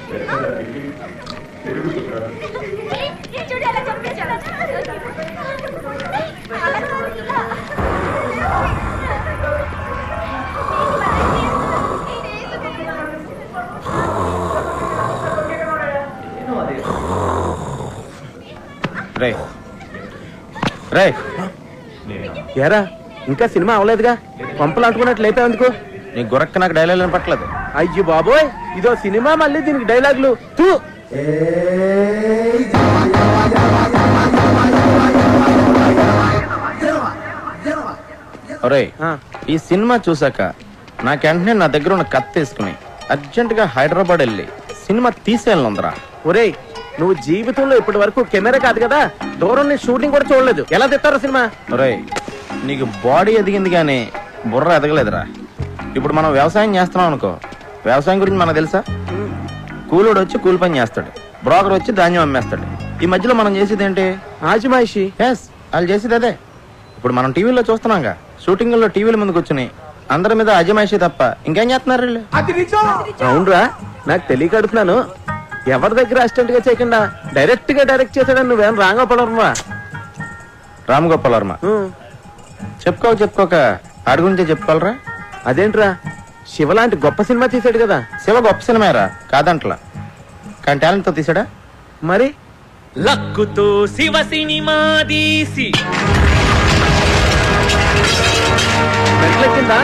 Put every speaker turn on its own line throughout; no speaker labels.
రే రే ఏరా ఇంకా సినిమా అవలేదుగా, పంపలు అంటుకున్నట్లు లేపే ఎందుకు? నీ గురక్క నాకు డైలాగ్ పట్టలేదు. అయ్యో బాబోయ్, ఇదో సినిమా, మళ్ళీ దీనికి డైలాగులు తూ. ఒరే, ఈ సినిమా చూసాక నాకు వెంటనే నా దగ్గర ఉన్న కత్తి తీసుకుని అర్జెంట్ గా హైదరాబాద్ వెళ్ళి సినిమా తీసేయాలందరా. ఒరే, నువ్వు జీవితంలో ఇప్పటి వరకు కెమెరా కాదు కదా, దూరం నుంచి షూటింగ్ కూడా చూడలేదు, ఎలా తెస్తారో సినిమా? ఒరే, నీకు బాడీ ఎదిగింది కానీ బుర్ర ఎదగలేదురా. ఇప్పుడు మనం వ్యవసాయం చేస్తున్నాం అనుకో, వ్యవసాయం గురించి మనకు తెలుసా? కూలోడు వచ్చి కూలి పని చేస్తాడు, బ్రోకర్ వచ్చి ధాన్యం అమ్మేస్తాడు. ఈ మధ్యలో మనం చేసేది ఏంటి? ఆజిమాయిషి. ఎస్, వాళ్ళు చేసేది అదే. ఇప్పుడు మనం టీవీలో చూస్తున్నాంగా, షూటింగ్ లో టీవీల ముందు కూర్చుని అందరి మీద అజమాయిషి తప్ప ఇంకేం చేస్తున్నారు వీళ్ళు? అవునరా, నాకు తెలియక అడుగుతున్నాను. ఎవరి దగ్గర అసిస్టెంట్ గా చేయకుండా డైరెక్ట్ గా డైరెక్ట్ చేశాడని నువ్వేం రామగోపాల్ వర్మ? రామగోపాల్ వర్మ చెప్పుకోక ఆడి గురించే చెప్పుకోవాలరా. అదేంట్రా, శివ లాంటి గొప్ప సినిమా తీసాడు కదా. శివ గొప్ప సినిమారా కాదంట్లా, కానీ టాలెంట్ తో తీసాడా. మరి
లక్కుతో శివ సినిమా తీసి
మెట్లెక్కిందా?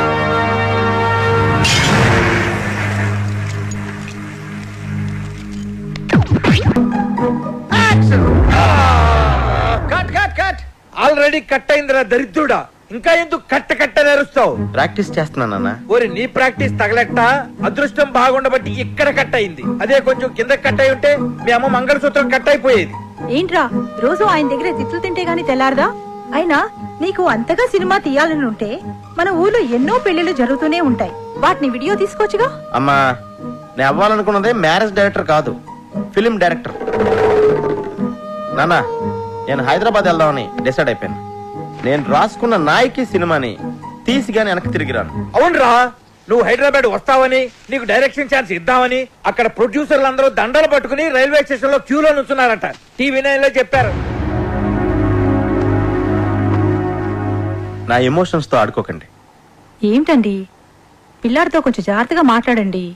ఆల్రెడీ కట్ అయిందిరా దరిద్రుడా, ఇంకా ఎందుకు కట్ట నేరుస్తావు?
ప్రాక్టీస్ చేస్తున్నానన్నా.
ఓరి నీ ప్రాక్టీస్ తగలెట్ట, అదృష్టం బాగుండబట్టి ఇక్కడ కట్ అయింది. అదే కొంచెం కింద కట్ అయి ఉంటే మీ అమ్మ మంగళసూత్రం కట్ అయిపోయేది.
ఏంట్రా రోజు ఆయన దగ్గర తిట్లు తింటే గాని తెల్లారదా? అయినా నీకు అంతగా సినిమా తీయాలని ఉంటే మన ఊర్లో ఎన్నో పెళ్లిళ్ళు జరుగుతూనే ఉంటాయి, వాటిని వీడియో తీసుకోవచ్చుగా.
అమ్మా, నేను అవ్వాలనుకున్నదే మ్యారేజ్ డైరెక్టర్ కాదు, ఫిలిం డైరెక్టర్. నానా, నేను హైదరాబాద్ వెళ్దామని డిసైడ్ అయిపోయాను. నేను రాసుకున్న నాయకి సినిమాని తీసి గాని వెనక్కి తిరిగిరాను.
అవునరా, నువ్వు హైదరాబాద్ వస్తావని, నీకు డైరెక్షన్ ఛాన్స్ ఇద్దామని అక్కడ ప్రొడ్యూసర్లు అందరూ దండలు పట్టుకుని రైల్వే స్టేషన్ లో క్యూలో నుంచున్నారట. టీవీ 9 లో చెప్పారు.
నా ఎమోషన్స్ తో ఆడుకోకండి.
ఏంటండి, పిల్లాడితో కొంచెం జాగ్రత్తగా మాట్లాడండి.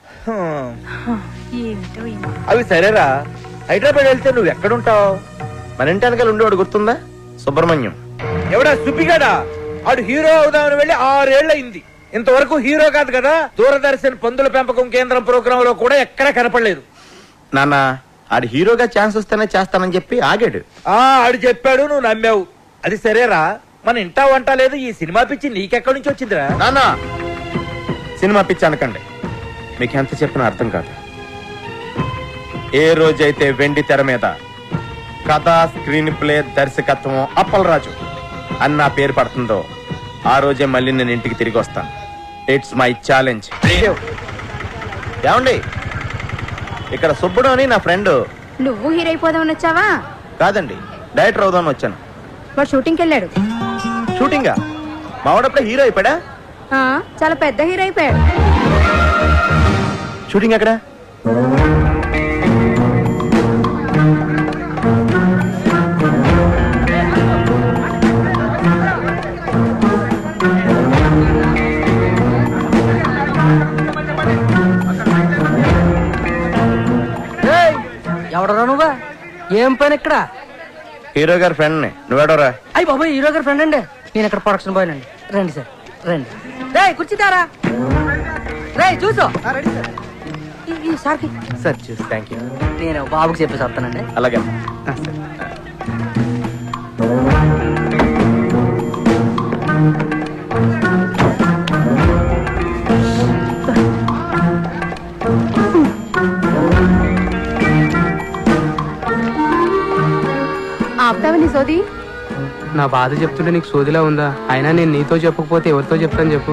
అవి సరేరా, హైదరాబాద్ వెళ్తే నువ్వు ఎక్కడుంటావు?
మన ఇంటి వెనకాల ఉండేవాడు గుర్తుందా? సుబ్రహ్మణ్యం.
ఎవడా సుబ్బిగాడా? ఆడు హీరో అవుదామని వెళ్ళి 6 ఏళ్ళు అయింది. ఇంతవరకు హీరో కాదు కదా, దూరదర్శన్ పందుల పెంపకం కేంద్రం ప్రోగ్రామ్ లో కూడా ఎక్కడ కనపడలేదు.
నాన్న, ఆడు హీరోగా ఛాన్స్ వస్తేనే చేస్తానని చెప్పి ఆగాడు.
ఆడు చెప్పాడు, నువ్వు నమ్మావు. అది సరేరా, మన ఇంటా వంట లేదు, ఈ సినిమా పిచ్చి నీకెక్కడి నుంచి వచ్చిందిరా?
నాన్న, సినిమా పిచ్చి అనకండి, మీకు ఎంత చెప్పినా అర్థం కాదు. ఏ రోజైతే వెండి తెర మీద కథ, స్క్రీన్ ప్లే, దర్శకత్వం అప్పలరాజు అని నా పేరు పడుతుందో ఆ రోజే మళ్ళీ నేను ఇంటికి తిరిగి వస్తాను. It's my challenge. ఏమండి, ఇక్కడ సుబ్బుడు అని నా ఫ్రెండ్.
నువ్వు హీరో అయిపోదామని వచ్చావా?
కాదండి, డైరెక్టర్ అవుదామని వచ్చాను.
వాడు షూటింగ్కి వెళ్ళాడు.
షూటింగా? మావాడప్పుడే హీరో అయిపోయాడా?
చాలా పెద్ద హీరో అయిపోయాడు.
షూటింగ్ ఎక్కడ?
ఎవడరా నువ్వా? ఏం పని ఇక్కడ?
హీరో గారి ఫ్రెండ్ ని. నువ్వేడోరా?
అయ్యి బాబాయ్, హీరో గారి ఫ్రెండ్ అండి. నేను ఇక్కడ ప్రొడక్షన్ బాయ్ అండి. రండి సార్, రండి. రే కూర్చుతారా? రే చూసు సార్కి.
సార్ చూసి థ్యాంక్ యూ.
నేను బాబుకి చెప్పేసి వస్తానండి.
అలాగే.
ఆపుతావని సోది?
నా బాధ చెప్తుంటే నీకు సోదిలా ఉందా? అయినా నేను నీతో చెప్పకపోతే ఎవరితో చెప్తాను చెప్పు?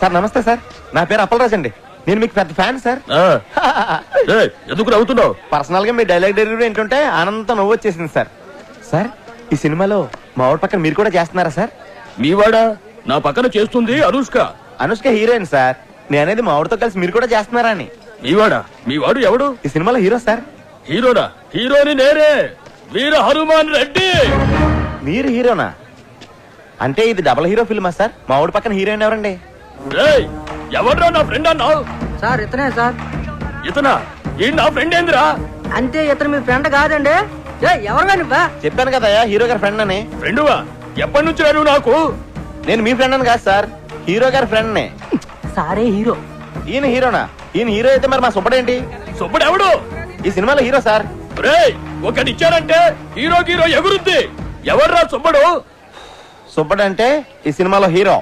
సార్ నమస్తే సార్, నా పేరు అప్పలరాజ్ అండి. నేను మీకు పెద్ద ఫ్యాన్ సార్.
ఎందుకు నవ్వుతున్నావు?
పర్సనల్ గా మీ డైలాగ్ డెలివరీ ఏంటంటే ఆనందంతో నవ్వు వచ్చేసింది సార్. సార్ ఈ సినిమాలో మా ఊరి పక్కన మీరు కూడా చేస్తున్నారా సార్?
మీవాడా? నా పక్కన చేస్తుంది అనుష్క.
Anushka heroine sir. నేనేది మా ఊరితో కలిసి మీరు కూడా చేస్తున్నారా అని.
మీవాడా? మీవాడు ఎవడు?
ఈ సినిమాలో హీరో సార్.
హీరోనా? హీరోని నేనే, వీర హనుమాన్ రెడ్డి.
మీరు హీరోనా? అంటే ఇది డబుల్ హీరో ఫిల్మా సార్? మా ఊడి పక్కన హీరోయిన్ ఎవరండి?
ఎవడ్రా నా ఫ్రెండ్ అన్నావు?
సార్ ఇతనే సార్.
ఇతనా? ఈ నా ఫ్రెండ్ ఏందిరా?
అంటే ఇతను మీ ఫ్రెండ్ కాదండి. ఎవరు నువ్వా?
చెప్పాను కదా హీరో గారి ఫ్రెండ్ అని.
ఫ్రెండువా? ఎప్పటి నుంచి రాడు నాకు?
నేను మీ ఫ్రెండ్ అని కాదు సార్, హీరో గారి ఫ్రెండ్ నే.
సారే హీరో.
ఈయన హీరోనా? ఈయన హీరో అయితే మరి మా సుబ్బడేంటి?
సుబ్బడు ఎవడు?
ఈ సినిమాలో హీరో సార్.
ఒకటిచ్చారంటే హీరో హీరో ఎగురుద్ది. ఎవర్రా సుబ్బడు?
సుబ్బడంటే ఈ సినిమాలో హీరో.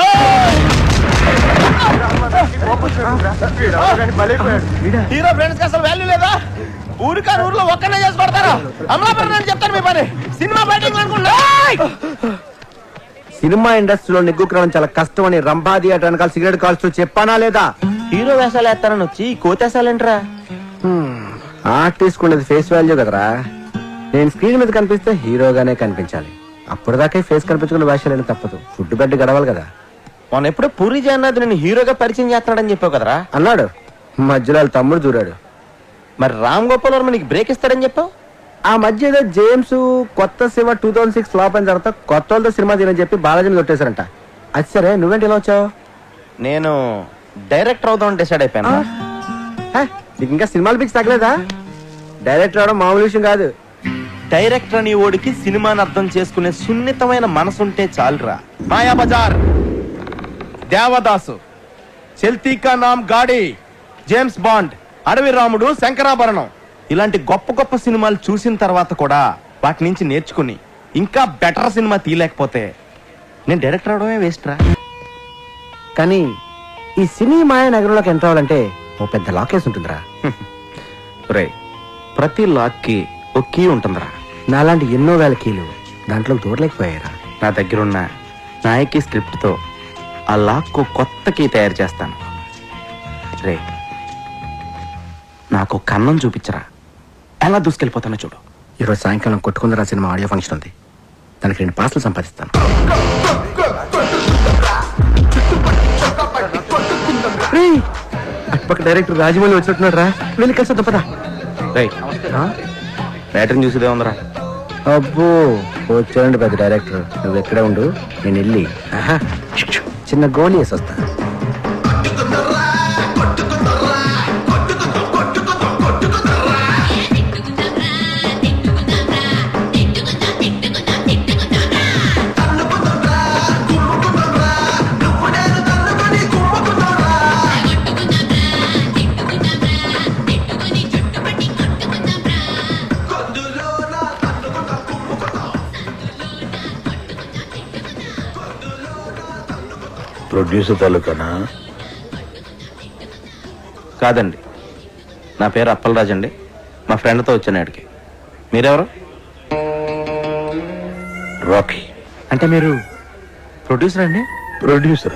హీరో ఫ్రెండ్స్ కి అసలు వాల్యూ లేదా? ఊరికా ఊర్లో ఒక్కనే చేసి పడతారా? అమలాపురం చెప్తాను మీ పని. సినిమా బయటింగ్ అనుకుంటా.
సినిమా ఇండస్ట్రీలో నిగ్గుక్రమం చాలా కష్టం అని రంభా థియేటర్ వెనకాల సిగరెట్ కాల్స్తూ చెప్పానా లేదా?
హీరో వేషాలు వేస్తానని వచ్చి కోతేసాలేంట్రా?
ఆర్టిస్ట్ ఉండేది ఫేస్ వాల్యూ కదరా. నేను స్క్రీన్ మీద కనిపిస్తే హీరోగానే కనిపించాలి. అప్పటిదాకా ఫేస్ కనిపించుకున్న వేషాలని తప్పదు. ఫుడ్ బెడ్ గడవాలి కదా.
మొన్న ఎప్పుడో పూరి జగన్నాథ్ నేను హీరోగా పరిచయం చేస్తున్నాడని చెప్పావు కదరా?
అన్నాడు. మధ్యలో వాళ్ళ తమ్ముడు దూరాడు.
మరి రామ్ గోపాల్ వర్మ నీకు బ్రేక్ ఇస్తాడని చెప్పావు.
ఆ మధ్య ఏదో జేమ్స్ కొత్త శివ 2006 ఫ్లాప్ అయిన తర్వాత కొత్త వాళ్ళతో సినిమా తీరని చెప్పి బాలాజీని కొట్టేశారంట. అది సరే, నువ్వేంటి ఇలా వచ్చావు?
నేను డైరెక్టర్ అవుదామని డిసైడ్ అయిపోయాను.
నీకు ఇంకా సినిమాలు పిక్స్ తగ్గలేదా? డైరెక్టర్ అవడం మామూలు విషయం కాదు.
డైరెక్టర్ అని ఓడికి సినిమాని అర్థం చేసుకునే సున్నితమైన మనసుంటే చాలురా. మాయా బజార్, దేవదాసు, చెల్తీ కా నామ్ గాడి, జేమ్స్ బాండ్, అడవి రాముడు, శంకరాభరణం ఇలాంటి గొప్ప గొప్ప సినిమాలు చూసిన తర్వాత కూడా వాటి నుంచి నేర్చుకుని ఇంకా బెటర్ సినిమా తీయలేకపోతే నేను డైరెక్టర్ అవడమే వేస్ట్ రా.
కానీ ఈ సినీ మాయ నగరంలోకి ఎంటర్ అవ్వాలంటే ఓ పెద్ద లాకేస్ ఉంటుందిరా.
రే, ప్రతి లాక్ కి ఒక కీ ఉంటుందిరా.
నాలాంటి ఎన్నో వేల కీలు దాంట్లో దూరలేకపోయారా.
నా దగ్గరున్న నాయకి స్క్రిప్ట్ తో ఆ లాక్ కు కొత్త కీ తయారు చేస్తాను. రే, నాకు కన్నం చూపించరా, ఎలా దూసుకెళ్ళిపోతానో చూడు.
ఈరోజు సాయంకాలం కొట్టుకుందరా సినిమా ఆడియో ఫంక్షన్ ఉంది. దానికి 2 పార్సలు సంపాదిస్తాను. అటుపక్క డైరెక్టర్ రాజమౌళి వచ్చినట్టున్నాడు రా. వెళ్ళి కలిసి తప్పదా?
బ్యాటరీని చూసేదే ఉందరా.
అబ్బో వచ్చాడండి పెద్ద డైరెక్టర్. నువ్వు ఎక్కడే ఉండు, నేను వెళ్ళి చిన్న గోళీ వేసి వస్తా.
ప్రొడ్యూసర్ తాలూకానా?
కాదండి, నా పేరు అప్పలరాజ్ అండి. మా ఫ్రెండ్తో వచ్చాను ఇక్కడికి. మీరెవరు?
రాకీ.
అంటే మీరు ప్రొడ్యూసర్ అండి?
ప్రొడ్యూసర్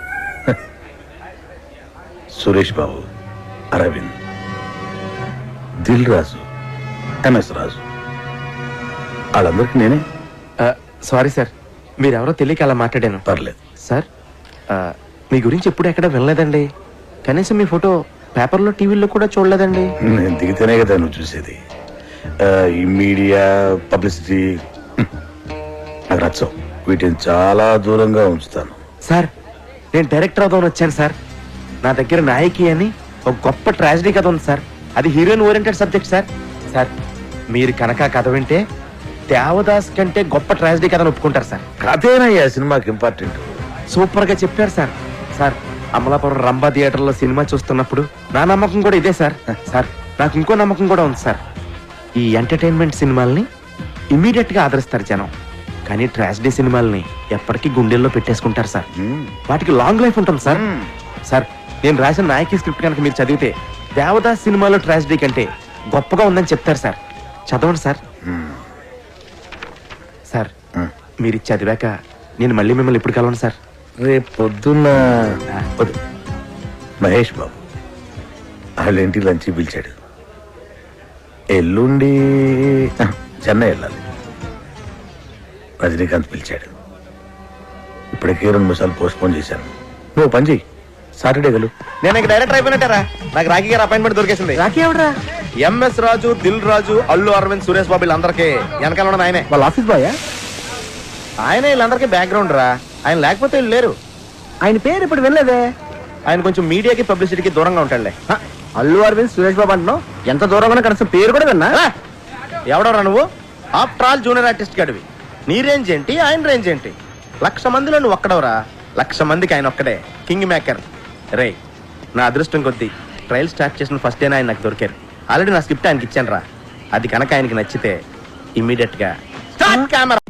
సురేష్ బాబు, అరవింద్, దిల్ రాజు, ఎంఎస్ రాజు, వాళ్ళందరికీ నేనే.
సారీ సార్, మీరెవరో తెలియక అలా మాట్లాడాను.
పర్లేదు
సార్, మీ గురించి ఎప్పుడు ఎక్కడ వినలేదండి. కనీసం మీ ఫోటో పేపర్లో టీవీలో కూడా చూడలేదండి.
నేను దిగితేనే కదా నువ్వు చూసేది. ఈ మీడియా పబ్లిసిటీ నాకు నచ్చవు. వీటిని చాలా దూరంగా ఉంచుతాను.
సార్, నేను డైరెక్టర్ అవుదామని వచ్చాను సార్. నా దగ్గర నాయకి అని ఒక గొప్ప ట్రాజడీ కథ ఉంది సార్. అది heroine oriented subject sir. Sir, మీరు కనుక కథ వింటే దేవదాస్ కంటే గొప్ప ట్రాజడీ కథను ఒప్పుకుంటారు సార్.
కథేనయ్యా సినిమాకి ఇంపార్టెంట్.
సూపర్ గా చెప్పారు sir. Sir, Amalapuram Rambha theater లో సినిమా చూస్తున్నప్పుడు నా నమ్మకం కూడా ఇదే సార్. సార్, నాకు ఇంకో నమ్మకం కూడా ఉంది సార్. ఈ ఎంటర్టైన్మెంట్ సినిమాల్ని ఇమీడియట్ గా ఆదరిస్తారు జనం, కానీ ట్రాజడీ సినిమాల్ని ఎప్పటికీ గుండెల్లో పెట్టేసుకుంటారు సార్. వాటికి లాంగ్ లైఫ్ ఉంటుంది సార్. సార్, నేను రాసిన నాయకి స్క్రిప్ట్ కనుక మీరు చదివితే దేవదాస్ సినిమాలో ట్రాజడీ కంటే గొప్పగా ఉందని చెప్తారు సార్. చదవండి సార్. సార్, మీరు చదివాక నేను మళ్ళీ మిమ్మల్ని ఎప్పుడు కలవను సార్.
రేపు పొద్దున్న వద్దు. మహేష్ బాబు వాళ్ళ ఇంటికి లంచ్ పిలిచాడు. ఎల్లుండి చెన్నై వెళ్ళాలి. రజనీకాంత్ పిలిచాడు. ఇప్పటికే 2 నిమిషాలు పోస్ట్ పోన్ చేశాను. నువ్వు పని చెయ్యి, సాటర్డే వెళ్ళు.
నేను ఇంక డైరెక్టర్ అయిపోయినట్టారా. నాకు రాఖీ గారు అపాయింట్మెంట్ దొరికేసింది.
రాఖీ ఎవడరా?
ఎంఎస్ రాజు, దిల్ రాజు, అల్లు అరవింద్, సురేష్ బాబు వీళ్ళందరికీ వెనకాల ఉన్నది ఆయనే.
వాళ్ళ ఆఫీస్ బాయ్?
ఆయనే వీళ్ళందరికీ బ్యాక్గ్రౌండ్ రా. ఆయన లేకపోతే వీళ్ళు లేరు.
ఆయన పేరు ఇప్పుడు వినలేదే.
ఆయన కొంచెం మీడియాకి పబ్లిసిటీకి దూరంగా ఉంటాడులే.
హ, అల్లు అరవింద్ సురేష్ బాబు అంటున్నావు. ఎంత దూరంగా కనీసం పేరు కూడా విన్నా.
ఎవడరా నువ్వు? ఆఫ్టర్ ఆల్ జూనియర్ ఆర్టిస్ట్ గడివి. నీ రేంజ్ ఏంటి, ఆయన రేంజ్ ఏంటి? 1,00,000 మందిలో నువ్వు ఒక్కడవరా. 1,00,000 మందికి ఆయన ఒక్కడే కింగ్ మేకర్. రే, నా అదృష్టం కొద్దీ ట్రయల్ స్టార్ట్ చేసిన ఫస్ట్ డే ఆయన నాకు దొరికారు. ఆల్రెడీ నా స్క్రిప్ట్ ఆయనకి ఇచ్చాను రా. అది కనుక ఆయనకి నచ్చితే ఇమ్మీడియట్ గా స్టార్ట్ కెమెరా